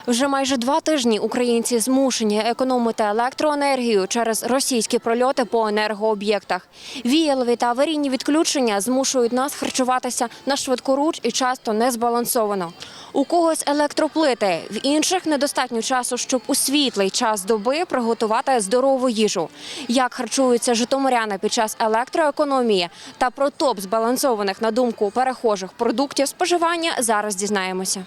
Вже майже 2 тижні українці змушені економити електроенергію через російські прольоти по енергооб'єктах. Віялові та аварійні відключення змушують нас харчуватися на швидкоруч і часто незбалансовано. У когось електроплити, в інших недостатньо часу, щоб у світлий час доби приготувати здорову їжу. Як харчуються житомиряни під час електроекономії та про топ збалансованих, на думку перехожих, продуктів споживання, зараз дізнаємося.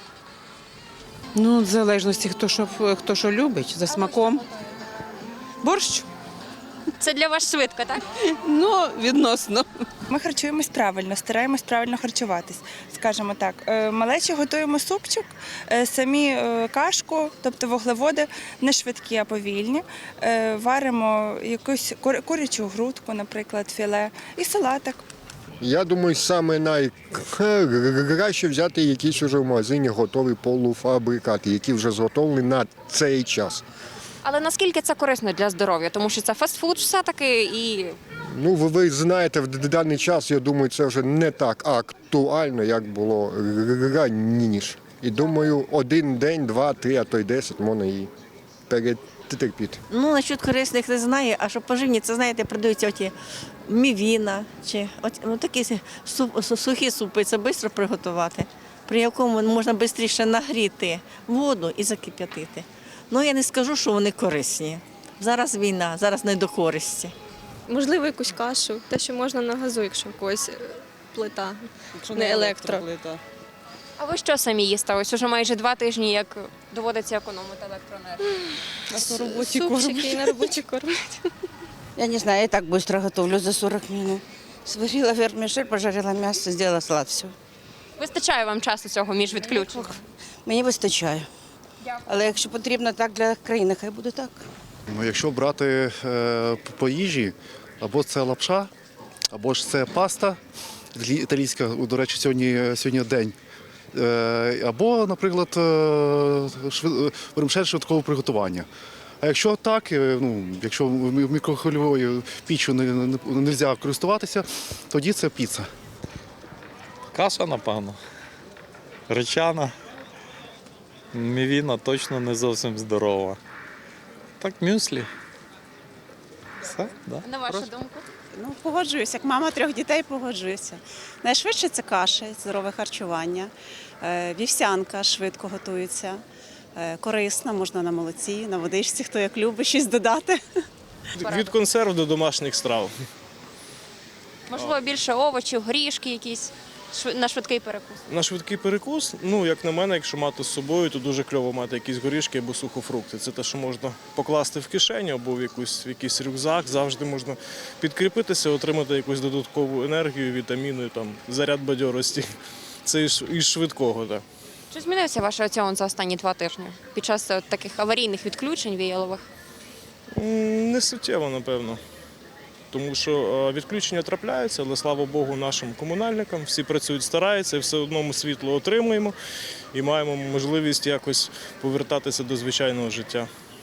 Ну, в залежності, хто що любить, за смаком. Борщ? Це для вас швидко, так? Ну, відносно. Ми харчуємось правильно, стараємось правильно харчуватись, скажімо так. Малечі готуємо супчик, самі кашку, тобто вуглеводи, не швидкі, а повільні. Варимо якусь курячу грудку, наприклад, філе і салатик. Я думаю, саме найкраще взяти якісь уже в магазині готові полуфабрикати, які вже зготовлені на цей час. Але наскільки це корисно для здоров'я? Тому що це фастфуд все-таки і… Ну, ви знаєте, в даний час, я думаю, це вже не так актуально, як було раніше. І думаю, один день, 2, 3, а то й 10 можна і перетерпіти. Ну, насчет корисних не знаю, а що поживні, це, знаєте, продаються оті мівіна, чи такі сухі супи, це швидко приготувати, при якому можна швидше нагріти воду і закип'ятити. Ну, я не скажу, що вони корисні. Зараз війна, зараз не до користі. Можливо, якусь кашу, те, що можна на газу, якщо в когось плита, не електро. А ви що самі їсте? Ось уже майже 2 тижні, як доводиться економити електроенергію. Супчики і на роботі кормлять. Я не знаю, я так быстро готовлю за 40 минут. Сварила вермишель, пожарила мясо, сделала салат, все. Вистачає вам часу цього між відключеннями? Мені вистачає. Але якщо потрібно так для країни, хай буде так. Ну, якщо брати по їжі, або це лапша, або ж це паста італійська, до речі, сьогодні день, або, наприклад, вермишель швидкого приготування. А якщо так, якщо мікрохвильовою піччю не можна користуватися, тоді це піца. Каша, напевно. Гречана. Мівіна точно не зовсім здорова. Так, мюслі. Все, да. На вашу думку? Ну, погоджуюся. Як мама 3 дітей, погоджуюся. Найшвидше це каша, здорове харчування. Вівсянка швидко готується. Корисна, можна на молоці, на водичці, хто як любить, щось додати. Від консерв до домашніх страв. Можливо, більше овочів, горішки якісь на швидкий перекус? На швидкий перекус, як на мене, якщо мати з собою, то дуже кльово мати якісь горішки або сухофрукти. Це те, що можна покласти в кишеню або в якийсь рюкзак. Завжди можна підкріпитися, отримати якусь додаткову енергію, вітаміни, заряд бадьорості. Це із швидкого, так. Чи змінився ваш раціон за останні 2 тижні під час таких аварійних відключень віялових? Не суттєво, напевно. Тому що відключення трапляються, але, слава Богу, нашим комунальникам. Всі працюють, стараються, і все одно ми світло отримуємо і маємо можливість якось повертатися до звичайного життя.